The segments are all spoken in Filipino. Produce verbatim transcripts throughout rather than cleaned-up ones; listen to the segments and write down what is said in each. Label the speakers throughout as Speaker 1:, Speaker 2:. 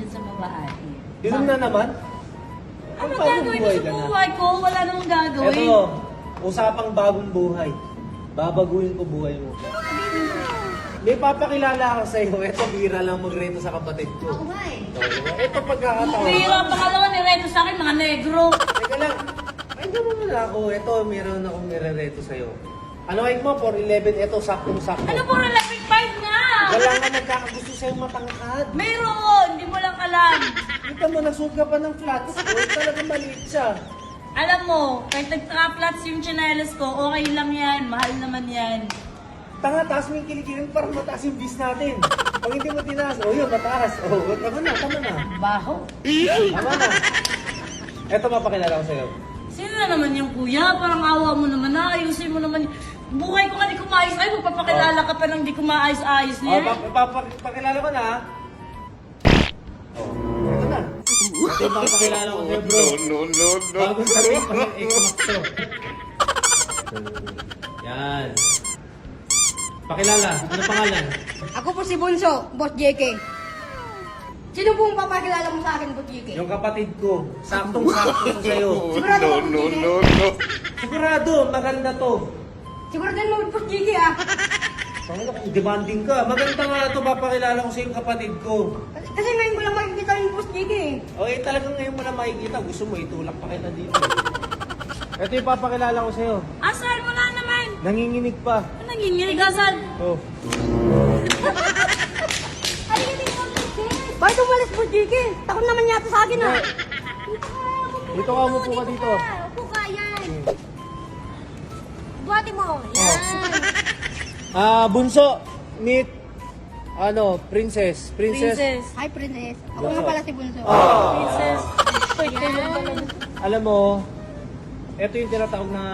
Speaker 1: sa babae.
Speaker 2: Inom na naman?
Speaker 1: Ano
Speaker 2: Ang bagong
Speaker 1: gagawin mo
Speaker 2: buhay
Speaker 1: sa
Speaker 2: ka na.
Speaker 1: buhay ko? Wala namang gagawin.
Speaker 2: Eto, usapang bagong buhay. Babaguhin ko buhay mo. May papakilala ako sa'yo. Eto, bira lang magreto sa kapatid ko.
Speaker 3: Ako nga eh.
Speaker 2: Eto, pagkakataon.
Speaker 1: Pero pangalawa ni Reto sa akin, mga negro.
Speaker 2: Teka lang. Ay, gano'n mo na ako. Eto, meron akong nire-reto sa'yo. Ano kahit mo? four eleven. Eto, saktong-sakto.
Speaker 1: Ano po na lapit five nga?
Speaker 2: Wala nga nagkakagusto sa'yo matangkad.
Speaker 1: Mayroon, hindi mo lang alam.
Speaker 2: Kita mo, nasuot ka pa ng flats. Oh, talagang maliit siya.
Speaker 1: Alam mo, kahit nagka-flats yung chinelas ko, okay lang yan. Mahal naman yan.
Speaker 2: Tanga, taas mo yung kilikilin para mataas yung bis natin. Pag hindi mo tinaas, oh yun, mataas. Oh, tama na, tama na.
Speaker 1: Baho.
Speaker 2: Tama na. Eto, mapakilala ko sa'yo.
Speaker 1: Sino na naman yung kuya? Parang awa mo naman na. Ayusin mo naman. Buhay ko nga di ko maayos. Ay, magpapakilala ka pa nang di ko maayos-ayos
Speaker 2: Oh,
Speaker 1: niya.
Speaker 2: pa- pa- pa- pakilala ko na, ha? Oh, eto na. Ito yung papakilala ko sa'yo, bro.
Speaker 4: No, no, no.
Speaker 2: Bagong sabihin pa ng Xbox to. Yan. Pakilala, ano pangalan?
Speaker 3: Ako po si Bunso, Boss J K. Sino pong papakilala mo sa akin, Boss J K?
Speaker 2: Yung kapatid ko, saktong-sakto sa sa'yo.
Speaker 3: Sigurado
Speaker 4: No,
Speaker 3: ka,
Speaker 4: no,
Speaker 3: Boss J K?
Speaker 4: no, no.
Speaker 2: Sigurado, maganda to.
Speaker 3: Sigurado din mo, Boss J K ah.
Speaker 2: Pangalo, kung demanding ka. Maganda nga ito, papakilala ko sa yung kapatid ko.
Speaker 3: Kasi, kasi ngayon ko lang makikita yung Boss J K eh.
Speaker 2: O eh, talagang ngayon mo na makikita. Gusto mo, itulak pa kita dito. Ito yung papakilala ko sa'yo.
Speaker 1: Asan mo na naman?
Speaker 2: Nanginginig pa.
Speaker 1: Ano nanginginig? Asan?
Speaker 2: Oh.
Speaker 3: Bakit umalis, Boss J K? Takot naman yata sa akin ah.
Speaker 2: Dito ka, umupo ka dito.
Speaker 3: Upo ka, yan. Buhati mo.
Speaker 2: Oh. Ah, bunso, meet, ano, princess. Princess.
Speaker 1: Princess.
Speaker 3: Hi, Princess. Ako nga pala si Bunso.
Speaker 2: Oh.
Speaker 1: Princess. Wait, kailan talaga?
Speaker 2: Alam mo, ito yung tinatawag na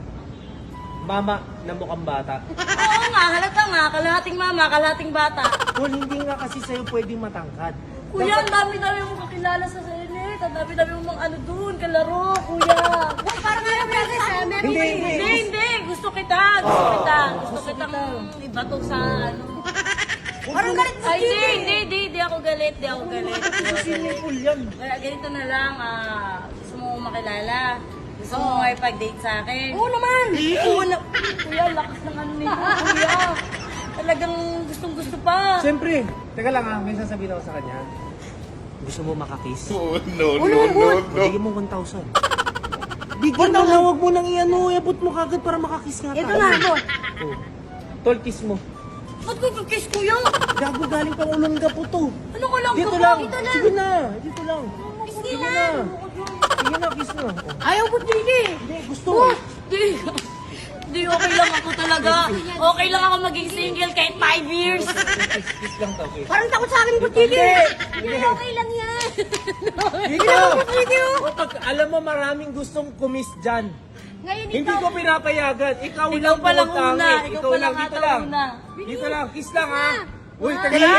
Speaker 2: mama na mukhang bata.
Speaker 1: Oo nga, halata nga. Kalahating mama, kalahating bata.
Speaker 2: Kung hindi nga kasi sa'yo pwedeng matangkad.
Speaker 1: Kuya, ang dami-dami mong kakilala sa Senate. Ang dami-dami mong mga ano dun, kalaro, kuya.
Speaker 3: Parang nga Princess ah. Meron
Speaker 2: Hindi,
Speaker 3: pa eh.
Speaker 2: hindi.
Speaker 1: Hindi, hindi. Gusto kita. Gusto kita. Gusto kitang ibato sa ano.
Speaker 3: Parang galit, Boss
Speaker 1: Ay,
Speaker 3: J K.
Speaker 1: hindi, hindi, hindi. Hindi ako galit. Hindi ako galit. Hindi ako galit.
Speaker 2: Sinipul yan.
Speaker 1: Kaya ganito na lang, ah, gusto mo makilala. Gusto mo makipag-date sa akin.
Speaker 3: Oo naman.
Speaker 1: Oo na. Kuya, lakas ng ano nito, kuya. Talagang gustong gusto pa.
Speaker 2: Siyempre, teka lang ha, may sasabihin ako sa kanya. Gusto mo makakiss?
Speaker 4: Oh, no, no, no, no.
Speaker 2: Bigyan mo one thousand. Bigyan mo na, huwag mo nang i-ano, iabot mo kagad para makakiss nga tayo.
Speaker 3: Ito na ako.
Speaker 2: Oh. Tol, kiss mo.
Speaker 1: Ba't ko kiss kuya?
Speaker 2: Gago, galing pang ulong ka po to.
Speaker 1: Ano ko lang
Speaker 2: Dito
Speaker 1: ka
Speaker 2: lang.
Speaker 1: Dito lang.
Speaker 2: Sige na, dito lang.
Speaker 3: Sige
Speaker 2: Sige
Speaker 3: na.
Speaker 2: na. Sige na, kiss na. Oh.
Speaker 3: Ayaw, Boss J K.
Speaker 2: Hindi, gusto.
Speaker 1: Di. Di, okay lang ako talaga. Okay lang ako maging single kahit five years.
Speaker 2: Kiss, kiss lang to, kiss.
Speaker 3: Parang takot sa akin, Boss J K.
Speaker 2: Hindi.
Speaker 3: Okay lang yan.
Speaker 2: Dito!
Speaker 3: Boss J K oh.
Speaker 2: O, pag alam mo maraming gustong kumiss dyan.
Speaker 3: Ngayon
Speaker 2: Hindi
Speaker 3: ikaw.
Speaker 2: ko pinapayagan. Ikaw,
Speaker 1: Ikaw
Speaker 2: lang
Speaker 1: pa lang
Speaker 2: bumutangin.
Speaker 1: una. Ikaw
Speaker 2: Ikaw
Speaker 1: pa
Speaker 2: lang,
Speaker 1: lang
Speaker 2: dito
Speaker 1: ata
Speaker 2: lang.
Speaker 1: una.
Speaker 2: Dito lang, kiss lang ha. Uy, teka lang.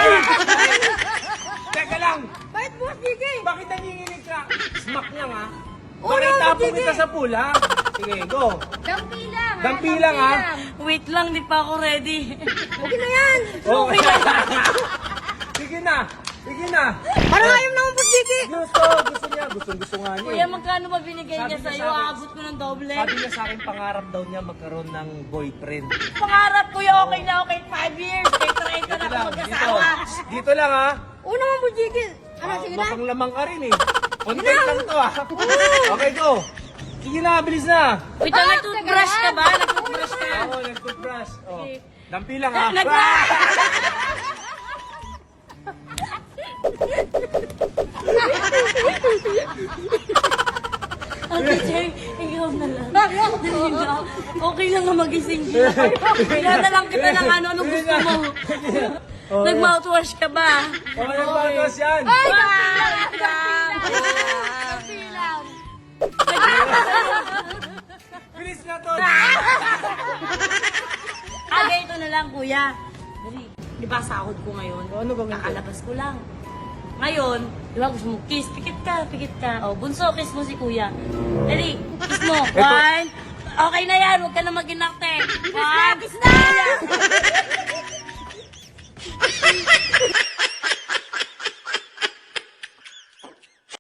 Speaker 2: Teka lang.
Speaker 3: Bakit, Boss J K?
Speaker 2: Bakit nanginginig ka? Smack lang ha.
Speaker 3: Oo,
Speaker 2: Bakit tapo
Speaker 3: sige.
Speaker 2: kita sa pool ha? Sige, go.
Speaker 3: Dampi lang. ha?
Speaker 2: Dampi lang, ha?
Speaker 1: Wait lang, di pa ako ready.
Speaker 3: Okay na yan.
Speaker 2: Okay. Sige na. Sige na.
Speaker 3: Parang ayaw naman, Boss J K.
Speaker 2: Gusto, gusto niya. Gusto, gusto nga niya.
Speaker 1: Kuya,
Speaker 2: eh.
Speaker 1: magkano ba binigay
Speaker 2: Sabi
Speaker 1: niya
Speaker 2: niya
Speaker 1: sa'yo?
Speaker 2: sa akin-
Speaker 1: Aabot ko ng doble.
Speaker 2: Sabi niya sa akin, pangarap daw niya magkaroon ng boyfriend.
Speaker 1: Pangarap, kuya, okay na okay. Five years. Kahit trenta na
Speaker 2: Dito
Speaker 1: ako
Speaker 2: lang,
Speaker 1: mag-asawa.
Speaker 2: dito. Dito lang ha.
Speaker 3: Oo naman, Boss J K. Ano,
Speaker 2: Ah,
Speaker 3: sige na.
Speaker 2: Makang lamang ka rin eh. Content lang to ah. Okay, go. Sige na, bilis na.
Speaker 1: Wait lang, nag-toothbrush ka ba? Nag-toothbrush ka?
Speaker 2: Ako, nag-toothbrush. Oh.
Speaker 1: Okay.
Speaker 2: Dampi lang ha.
Speaker 1: Nag- Ate Jay, ikaw na lang. Dali na. Okay lang na magising ka. Kaya na lang kita ng ano, anong gusto mo.
Speaker 2: Oh,
Speaker 1: Nag-mouthwash ka ba?
Speaker 2: Oh, nagbatos yan.
Speaker 3: Ay,
Speaker 1: Wow!
Speaker 3: dampi lang.
Speaker 2: Bilis na to.
Speaker 1: Ah, ganito na lang, kuya. Dali. Di ba sahod ko ngayon?
Speaker 2: Ano bang ito?
Speaker 1: Kakalabas ko lang. Ngayon, di ba gusto mo kiss? Pikit ka, pikit ka. O, bunso, kiss mo si kuya. Dali, kiss mo. One. Okay na yan, huwag ka na mag-inakte. One. Kiss na!